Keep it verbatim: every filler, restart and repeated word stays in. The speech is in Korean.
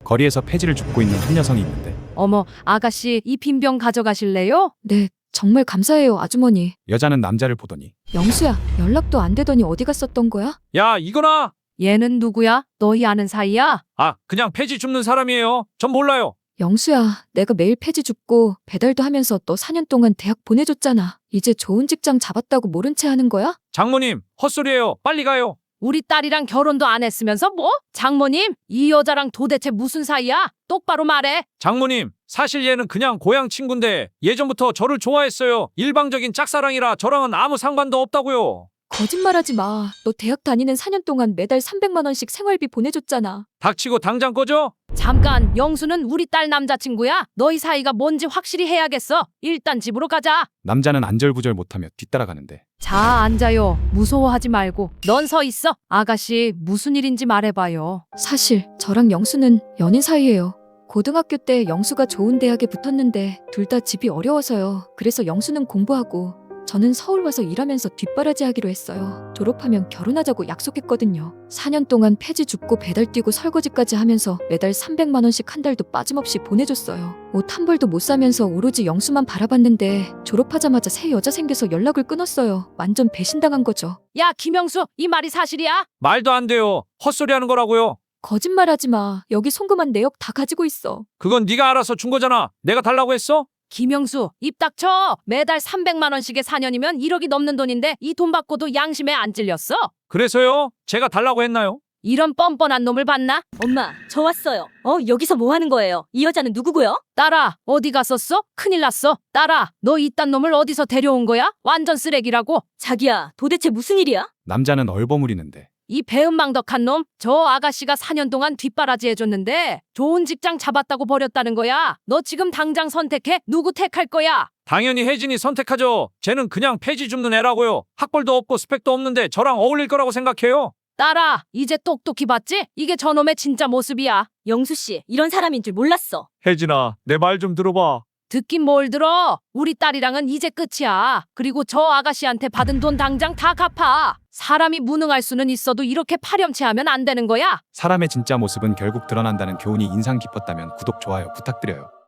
거리에서 폐지를 줍고 있는 한 여성이 있는데 어머, 아가씨, 이 빈병 가져가실래요? 네, 정말 감사해요, 아주머니. 여자는 남자를 보더니 영수야, 연락도 안 되더니 어디 갔었던 거야? 야, 이거나! 얘는 누구야? 너희 아는 사이야? 아, 그냥 폐지 줍는 사람이에요. 전 몰라요. 영수야, 내가 매일 폐지 줍고 배달도 하면서 너 사 년 동안 대학 보내줬잖아. 이제 좋은 직장 잡았다고 모른 채 하는 거야? 장모님, 헛소리예요. 빨리 가요. 우리 딸이랑 결혼도 안 했으면서 뭐? 장모님, 이 여자랑 도대체 무슨 사이야? 똑바로 말해. 장모님, 사실 얘는 그냥 고향 친구인데 예전부터 저를 좋아했어요. 일방적인 짝사랑이라 저랑은 아무 상관도 없다고요. 거짓말하지 마. 너 대학 다니는 사 년 동안 매달 삼백만 원씩 생활비 보내줬잖아. 닥치고 당장 꺼져. 잠깐, 영수는 우리 딸 남자친구야. 너희 사이가 뭔지 확실히 해야겠어. 일단 집으로 가자. 남자는 안절부절 못하며 뒤따라가는데 자, 앉아요. 무서워하지 말고. 넌 서 있어. 아가씨, 무슨 일인지 말해봐요. 사실 저랑 영수는 연인 사이예요. 고등학교 때 영수가 좋은 대학에 붙었는데 둘 다 집이 어려워서요. 그래서 영수는 공부하고 저는 서울 와서 일하면서 뒷바라지 하기로 했어요. 졸업하면 결혼하자고 약속했거든요. 사 년 동안 폐지 줍고 배달 뛰고 설거지까지 하면서 매달 삼백만 원씩 한 달도 빠짐없이 보내줬어요. 옷 한 벌도 못 사면서 오로지 영수만 바라봤는데 졸업하자마자 새 여자 생겨서 연락을 끊었어요. 완전 배신당한 거죠. 야, 김영수, 이 말이 사실이야? 말도 안 돼요. 헛소리 하는 거라고요. 거짓말하지 마. 여기 송금한 내역 다 가지고 있어. 그건 네가 알아서 준 거잖아. 내가 달라고 했어? 김영수, 입 닥쳐. 매달 삼백만 원씩에 사 년이면 일억이 넘는 돈인데 이 돈 받고도 양심에 안 찔렸어? 그래서요? 제가 달라고 했나요? 이런 뻔뻔한 놈을 봤나? 엄마, 저 왔어요. 어, 여기서 뭐 하는 거예요? 이 여자는 누구고요? 딸아, 어디 갔었어? 큰일 났어. 딸아, 너 이딴 놈을 어디서 데려온 거야? 완전 쓰레기라고. 자기야, 도대체 무슨 일이야? 남자는 얼버무리는데 이 배은망덕한 놈, 저 아가씨가 사 년 동안 뒷바라지 해줬는데 좋은 직장 잡았다고 버렸다는 거야. 너 지금 당장 선택해. 누구 택할 거야? 당연히 혜진이 선택하죠. 쟤는 그냥 폐지 줍는 애라고요. 학벌도 없고 스펙도 없는데 저랑 어울릴 거라고 생각해요. 딸아, 이제 똑똑히 봤지? 이게 저놈의 진짜 모습이야. 영수 씨, 이런 사람인 줄 몰랐어. 혜진아, 내 말 좀 들어봐. 듣긴 뭘 들어. 우리 딸이랑은 이제 끝이야. 그리고 저 아가씨한테 받은 돈 당장 다 갚아. 사람이 무능할 수는 있어도 이렇게 파렴치하면 안 되는 거야. 사람의 진짜 모습은 결국 드러난다는 교훈이 인상 깊었다면 구독, 좋아요 부탁드려요.